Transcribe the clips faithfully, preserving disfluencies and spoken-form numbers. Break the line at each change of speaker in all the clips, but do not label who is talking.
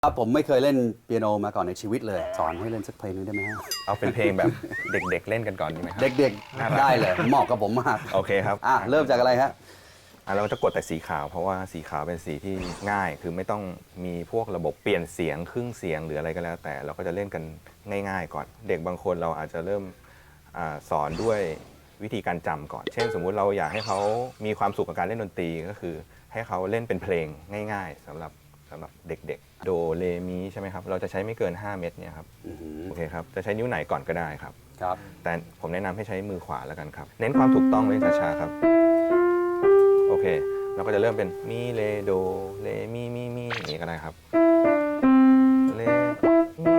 ครับผมไม่เคยเล่นเปียโนมาก่อนในชีวิตเลยสอนให้เล่นสักเพลงนึงได้ไหมฮะ
เอาเป็นเพลงแบบเด็กๆเล่นกันก่อนดีไหมครับ
เด็กๆได้เลยเหมาะกับผมมาก
โอเคครับ
อ่ะเริ่มจากอะไรฮะ
อ่ะเราจะกดแต่สีขาวเพราะว่าสีขาวเป็นสีที่ง่าย คือไม่ต้องมีพวกระบบเปลี่ยนเสียงครึ่งเสียงหรืออะไรก็แล้ว แต่เราก็จะเล่นกันง่ายๆก่อน เด็กบางคนเราอาจจะเริ่มอาสอนด้วยวิธีการจำก่อน เช่น สมมุติเราอยากให้เขามีความสุขกับการเล่นดนตรีก็คือ ให้เขาเล่นเป็นเพลงง่าย ๆสำหรับสำหรับเด็กๆโดเรมีใช่ไหมครับเราจะใช้ไม่เกินห้าเม็ดเนี่ยครับโอเคครับจะใช้นิ้วไหนก่อนก็ได้ครับ
ครับ
แต่ผมแนะนำให้ใช้มือขวาแล้วกันครับเน้นความถูกต้องเล่นช้าๆครับโอเคเราก็จะเริ่มเป็นมีเลโดเลมีมีมีอย่างนี้ก็ได้ครับเลมี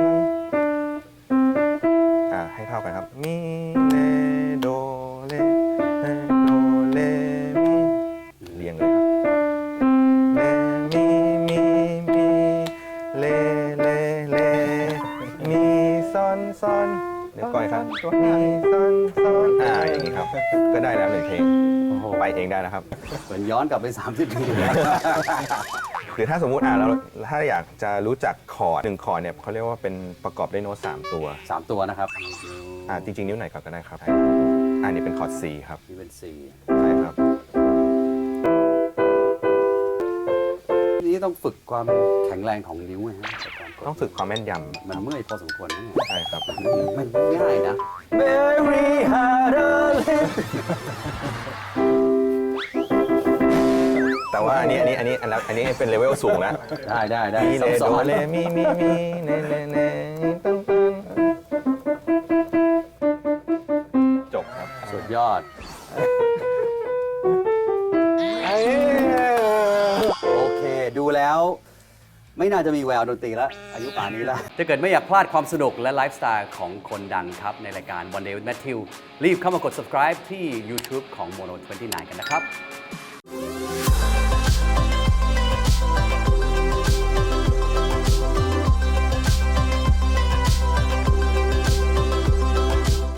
อ่าให้เท่ากันครับมีเลโดเลเลโดเลมีเรียงเลยครับเลมีมีมีเลเลเลมีซอนซอนเดี๋ยวก่อนครับมีซอนซอนอ่าอย่างนี้ครับก็ได้แล้วหนึ่งเพลงไปเองได้แล้วครับ
เหมือนย้อนกลับไปสามสิบปี
หรือถ้าสมมุติอ่าเราถ้าอยากจะรู้จักคอร์ดหนึ่งคอร์ดเนี่ยเขาเรียกว่าเป็นประกอบด้วยโน้ตสามตัว
สามตัวนะครับ
อ่าจริงๆนิ้วไหนก่อนก็ได้ครับอันนี้เป็นคอร์ด C ครับ
นี่เป็นสี่
ใช่ครับ
นี่ต้องฝึกความแข็งแรงของนิ้วนะฮะ
ต้องฝึกความแม่นย
มันเมื่อยพอสมควรนะเนี่ย
ำใช่ครับ
มันง่ายนะ Very hard to live
แต่ว่าอันนี้อันนี้อันนี้อันนี้อันนี้เป็นเลเวลสูงแล้ว
ได้ได้ได้
มีเล
ซับ
โด
ซ้อน
เลมีมีมีเนเนเนตันตันจบครับ
สุดยอด โอเค ดูแล้วไม่น่าจะมีแววดนตรีแล้ว อายุป่านนี้แล้ว ถ้าเกิดไม่อยากพลาดความสนุกและไลฟ์สไตล์ของคนดังครับ ในรายการ One Day with Matthew รีบเข้ามากด subscribe ที่ YouTube ของ Mono ยี่สิบเก้า กันนะครับ